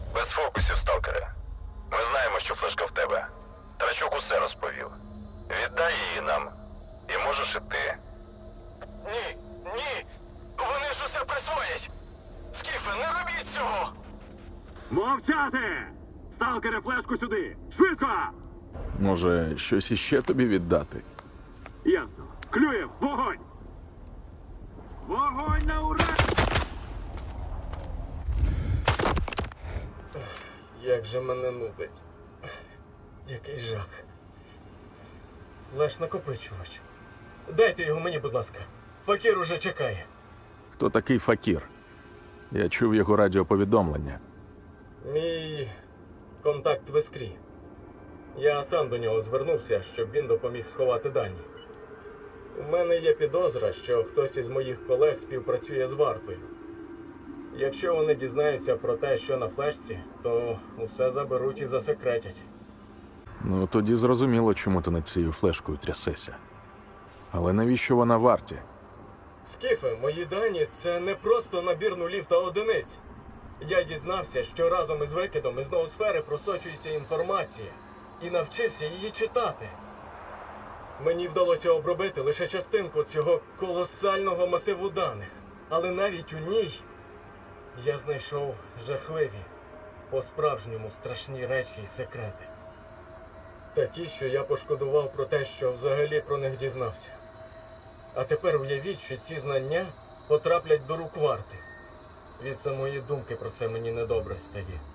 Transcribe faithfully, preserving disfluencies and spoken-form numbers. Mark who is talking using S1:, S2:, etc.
S1: Без фокусів, сталкере. Ми знаємо, що флешка в тебе. Трачук усе розповів. Віддай її нам. І можеш іти. Ні, ні! Вони ж усе присвоять! Скіфе, не робіть цього!
S2: Мовчати! Сталкере, флешку сюди! Швидко!
S3: Може, щось іще тобі віддати?
S2: Ясно. Клюєв, вогонь! Вогонь на ура!
S4: Як же мене нудить. Який жах. Флеш-накопичувач. Дайте його мені, будь ласка. Факір уже чекає.
S3: Хто такий Факір? Я чув його радіоповідомлення.
S4: Мій контакт в Іскрі. Я сам до нього звернувся, щоб він допоміг сховати дані. У мене є підозра, що хтось із моїх колег співпрацює з вартою. Якщо вони дізнаються про те, що на флешці, то усе заберуть і засекретять.
S3: Ну, тоді зрозуміло, чому ти над цією флешкою трясешся. Але навіщо вона варті?
S4: Скіфе, мої дані – це не просто набір нулів та одиниць. Я дізнався, що разом із викидом із ноосфери просочується інформація. І навчився її читати. Мені вдалося обробити лише частинку цього колосального масиву даних. Але навіть у ній я знайшов жахливі, по-справжньому страшні речі і секрети. Такі, що я пошкодував про те, що взагалі про них дізнався. А тепер уявіть, що ці знання потраплять до рук варти. Від самої думки про це мені недобре стає.